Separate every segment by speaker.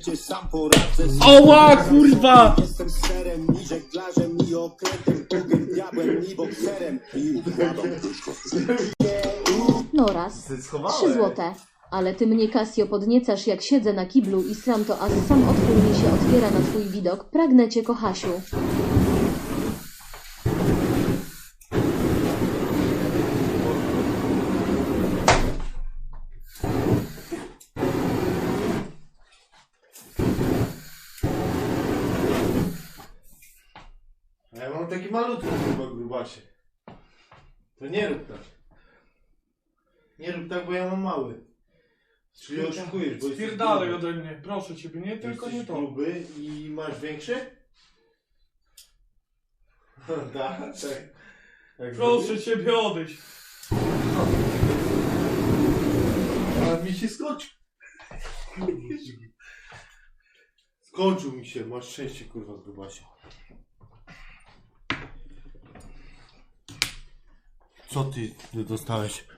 Speaker 1: przecież sam poradzę.
Speaker 2: Oła, kurwa!
Speaker 1: Jestem serem, ni żeglarzem, ni okrętem, bogiem, diabłem, ni bokserem. I układam.
Speaker 3: No raz. 3 złote. Ale ty mnie, Casio, podniecasz, jak siedzę na kiblu i sram to, a sam otwór mi się otwiera na twój widok. Pragnę cię, kochasiu.
Speaker 2: A ja mam taki malutki chyba grubasie. To nie rób tak. Nie rób tak, bo ja mam mały. Czyli oszukujesz, bo jesteś
Speaker 4: Spierdalaj
Speaker 2: gruby.
Speaker 4: ode mnie, proszę ciebie, nie tylko
Speaker 2: Jesteś
Speaker 4: nie to.
Speaker 2: gruby i masz większy? Tak, tak.
Speaker 4: Proszę ciebie, odejść.
Speaker 2: A mi się skończył. Skończył mi się, masz szczęście, kurwa, grubasie. Co ty dostałeś?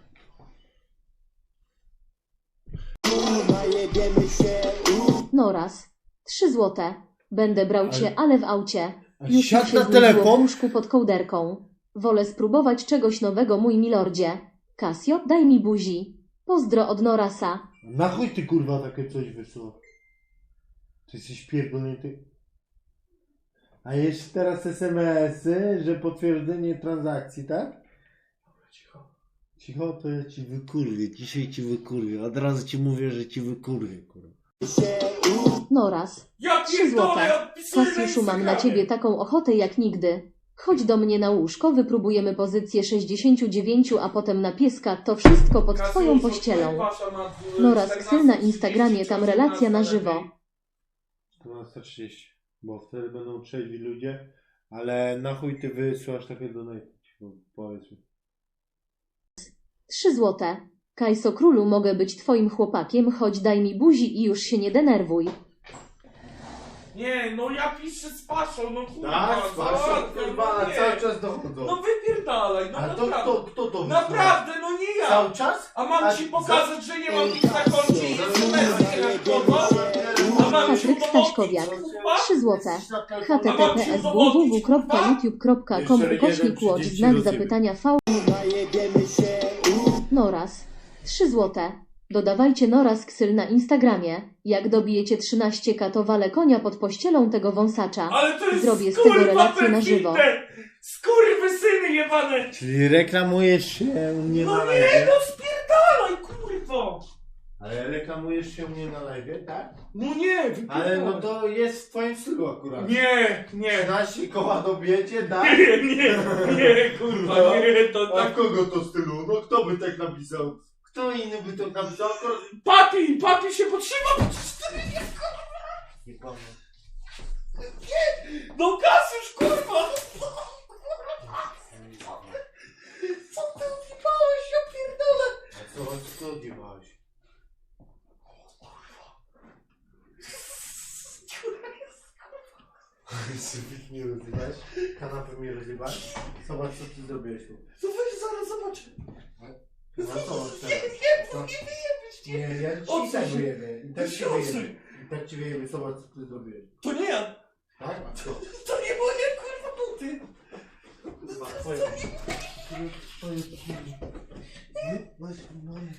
Speaker 3: No raz. 3 złote. Będę brał cię, ale w aucie. Już mi
Speaker 2: Siadł
Speaker 3: się
Speaker 2: na
Speaker 3: znudziło
Speaker 2: telefon?
Speaker 3: w łóżku pod kołderką. Wolę spróbować czegoś nowego, mój milordzie. Casio, daj mi buzi. Pozdro od Norasa.
Speaker 2: Na chuj ty, kurwa, takie coś wysłał? Ty jesteś pierdolnięty. A jeszcze teraz SMS-y, że potwierdzenie transakcji, tak?
Speaker 4: Cicho.
Speaker 2: Cicho, to ja ci wykurwię. Dzisiaj ci wykurwię. Od razu ci mówię, że ci wykurwię, kurwa.
Speaker 3: No raz.
Speaker 4: Ja
Speaker 3: 3 złote.
Speaker 4: pierdolę, ja odpisuję na
Speaker 3: Kasiuszu, mam na
Speaker 4: Instagramie.
Speaker 3: ciebie taką ochotę jak nigdy. Chodź do mnie na łóżko, wypróbujemy pozycję 69, a potem na pieska. To wszystko pod
Speaker 4: Kasiuszu,
Speaker 3: twoją pościelą.
Speaker 4: wasza ma,
Speaker 3: No raz
Speaker 4: 14,
Speaker 3: ksel na Instagramie, tam
Speaker 4: 30,
Speaker 3: relacja na
Speaker 4: 14
Speaker 3: żywo.
Speaker 4: lepiej.
Speaker 2: 12:30, bo wtedy będą trzeźwi ludzie, ale na chuj ty wysłasz takie donate, powiedz mi.
Speaker 3: 3 złote. Kajso królu, mogę być twoim chłopakiem, chodź daj mi buzi i już się nie denerwuj.
Speaker 4: Nie, no ja piszę z paszą, no kurwa.
Speaker 2: Tak,
Speaker 4: załatwiam,
Speaker 2: kurwa,
Speaker 4: no nie.
Speaker 2: cały czas dochodzą.
Speaker 4: No wypierdalaj, no
Speaker 2: A to
Speaker 4: naprawdę.
Speaker 2: kto to wysłał?
Speaker 4: Naprawdę, no nie ja.
Speaker 2: Cały czas?
Speaker 4: A mam
Speaker 2: A
Speaker 4: ci
Speaker 2: za-
Speaker 4: pokazać, że nie mam nic na koncie i SMS-y nie nadchodzą? A mam ci
Speaker 3: Patryk
Speaker 4: udowodnić,
Speaker 3: Staśkowiak.
Speaker 4: kurwa?
Speaker 3: 3 złote.
Speaker 4: https
Speaker 3: https://youtube.com/łódź znak zapytania v. Noraz. 3 złote. Dodawajcie Noraz ksyl na Instagramie. Jak dobijecie 13k, to walę konia pod pościelą tego wąsacza.
Speaker 4: Ale to jest
Speaker 3: Zrobię z tego
Speaker 4: kurwa
Speaker 3: relację na żywo.
Speaker 4: perfidne! Skurwysyny jebane!
Speaker 2: Czyli reklamujesz się u mnie
Speaker 4: No
Speaker 2: na
Speaker 4: nie,
Speaker 2: live?
Speaker 4: no spierdalaj, kurwo!
Speaker 2: Ale reklamujesz się u mnie na live, tak?
Speaker 4: No nie, wypierdalaj.
Speaker 2: Ale no to jest w twoim stylu akurat.
Speaker 4: Nie, nie.
Speaker 2: 13 koła dobijecie, tak?
Speaker 4: Nie, kurwa, nie, to
Speaker 2: A
Speaker 4: tak...
Speaker 2: kogo to stylu? No kto by tak napisał? Kto inny by to napisał?
Speaker 4: Papi się potrzyma,
Speaker 2: Nie pamiętam.
Speaker 4: no Kasiusz, kurwa! Co ty odjebałeś, ja pierdolę!
Speaker 2: A co odjebałeś? Sypik mnie rozjebałeś? Kanapę mnie rozjebałeś? Zobacz co ty zrobiłeś tu.
Speaker 4: To weź zaraz zobaczę.
Speaker 2: No zobacz teraz. Nie, ja ci
Speaker 4: Odsuń
Speaker 2: i tak
Speaker 4: się.
Speaker 2: wyjebię. I tak ci
Speaker 4: Odsuń.
Speaker 2: wyjebię. I tak ci wyjebię. Zobacz co ty zrobiłeś.
Speaker 4: To nie ja,
Speaker 2: Tak? A co?
Speaker 4: to nie moje, kurwa, buty.
Speaker 2: Kurwa, twoje. Twoje. Właśnie moje.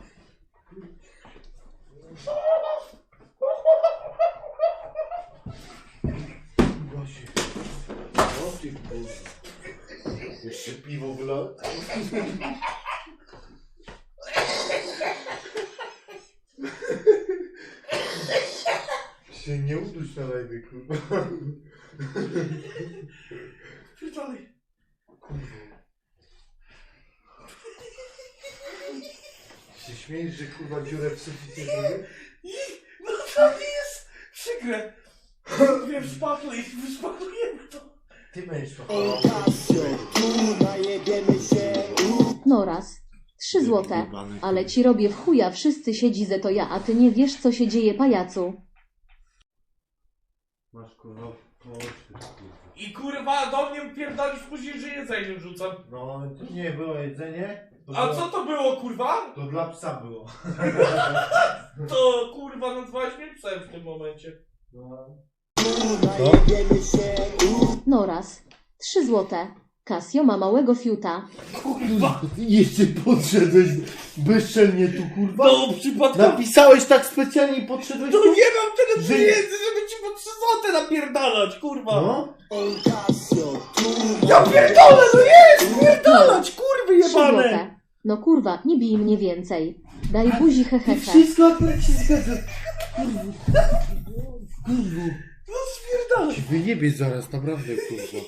Speaker 2: Gosie. O ty kurwa. Jeszcze piwo wlał. Się nie uduś na live, kurwa.
Speaker 4: Pierdolaj.
Speaker 2: Się śmiejesz, że kurwa dziurę w suficie zrobię?
Speaker 4: No to nie jest przykre. Wiem, wyszpachlujemy to.
Speaker 2: Ty będziesz to.
Speaker 3: Noraz. 3 złote. Ale ci robię w chuja, wszyscy siedzi ze to ja, a ty nie wiesz co się dzieje, pajacu.
Speaker 2: Masz kurwa oczy, kurwa.
Speaker 4: I kurwa do mnie pierdolisz później, że jedzenie rzucam.
Speaker 2: No to nie było jedzenie,
Speaker 4: A co to było, kurwa?
Speaker 2: To dla psa było.
Speaker 4: To kurwa nazwałeś mnie psem w tym momencie.
Speaker 3: No raz. 3 złote. Casio ma małego fiuta.
Speaker 4: Kurwa!
Speaker 2: Jeszcze podszedłeś bezczelnie tu, kurwa.
Speaker 4: No przypadkowo.
Speaker 2: Napisałeś tak specjalnie i podszedłeś
Speaker 4: No
Speaker 2: tu.
Speaker 4: nie mam tyle
Speaker 2: Że-
Speaker 4: pieniędzy, żeby ci po 3 złote napierdalać, kurwa!
Speaker 2: No?
Speaker 4: Ja pierdolę, no jest! Pierdalać, kurwy
Speaker 3: 3
Speaker 4: jebane!
Speaker 3: złote. No kurwa, nie bij mnie więcej. Daj buzi hehehe.
Speaker 2: Wszystko akurat się zgadza. Kurwa.
Speaker 4: No spierdalać.
Speaker 2: Ci wyjebie zaraz, naprawdę, kurwa.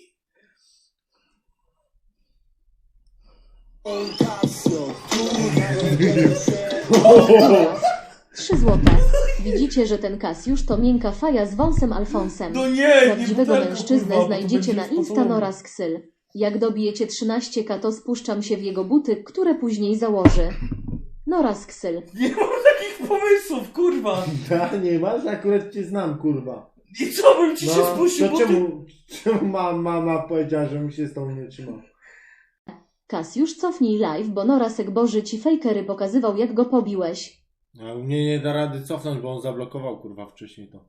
Speaker 3: Dobra. 3 złote. Widzicie, że ten Kasiusz to miękka faja z wąsem Alfonsem.
Speaker 4: No nie,
Speaker 3: Prawdziwego
Speaker 4: butelką,
Speaker 3: mężczyznę
Speaker 4: kurwa, bo to
Speaker 3: znajdziecie
Speaker 4: będzie
Speaker 3: na Insta
Speaker 4: sposobu.
Speaker 3: Noras Ksyl. Jak dobijecie 13k, to spuszczam się w jego buty, które później założy. Noras Ksyl.
Speaker 4: Nie mam takich pomysłów, kurwa!
Speaker 2: Da, nie masz? Akurat cię znam, kurwa.
Speaker 4: I co bym ci się spuścił,
Speaker 2: to
Speaker 4: bo ty...
Speaker 2: czemu mama powiedziała, że mi się z tą nie trzymał?
Speaker 3: Kasiusz, cofnij live, bo Norasek Boży ci fejkery pokazywał, jak go pobiłeś.
Speaker 2: A u mnie nie da rady cofnąć, bo on zablokował, kurwa, wcześniej to.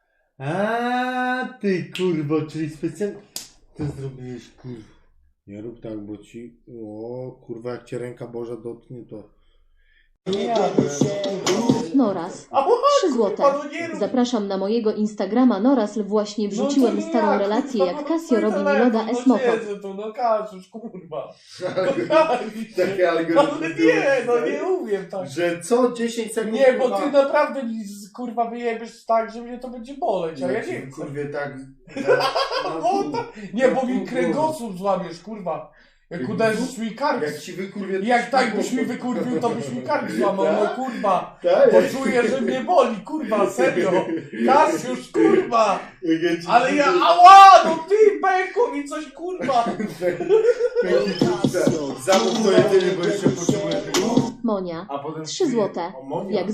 Speaker 2: A ty, kurwo, czyli specjalnie... Co zrobiłeś, kurwa? Nie rób tak, bo ci... O, kurwa, jak cię ręka Boża dotknie, to...
Speaker 3: Noras. 3 złote.
Speaker 4: no nie rób.
Speaker 3: Zapraszam na mojego Instagrama Norasl. Właśnie wrzuciłem
Speaker 4: No to
Speaker 3: starą
Speaker 4: jak,
Speaker 3: relację,
Speaker 4: kurwa,
Speaker 3: jak
Speaker 4: no
Speaker 3: Casio
Speaker 4: twój
Speaker 3: robi mi
Speaker 4: telefon,
Speaker 3: loda
Speaker 4: no
Speaker 3: esmoko.
Speaker 4: siedzę tu, no Kasiusz, kurwa.
Speaker 2: Takie
Speaker 4: Ale nie, no nie umiem tak.
Speaker 2: Że co 10 sekund...
Speaker 4: Nie, bo
Speaker 2: kurwa,
Speaker 4: ty naprawdę mi kurwa wyjebiesz tak, że mnie to będzie boleć, a ja nie chcę.
Speaker 2: Kurwie, tak...
Speaker 4: No, nie, bo mi kręgosłup złamiesz, kurwa. Jak uderzysz mi kark.
Speaker 2: Jak ci wykurwie...
Speaker 4: Jak tak byś mi wykurwił, to byś mi kark złamał, no kurwa.
Speaker 2: Tak?
Speaker 4: Poczuję, że mnie boli, kurwa, serio. Kasiusz, kurwa.
Speaker 2: Jak ja ci
Speaker 4: Ale ja, ała, no ty, pękło mi coś, kurwa.
Speaker 2: Zamów to jedynie, bo jeszcze potrzebuję tego.
Speaker 3: Monia.
Speaker 2: A potem
Speaker 3: 3 złote.
Speaker 2: O, Monia.
Speaker 3: Jak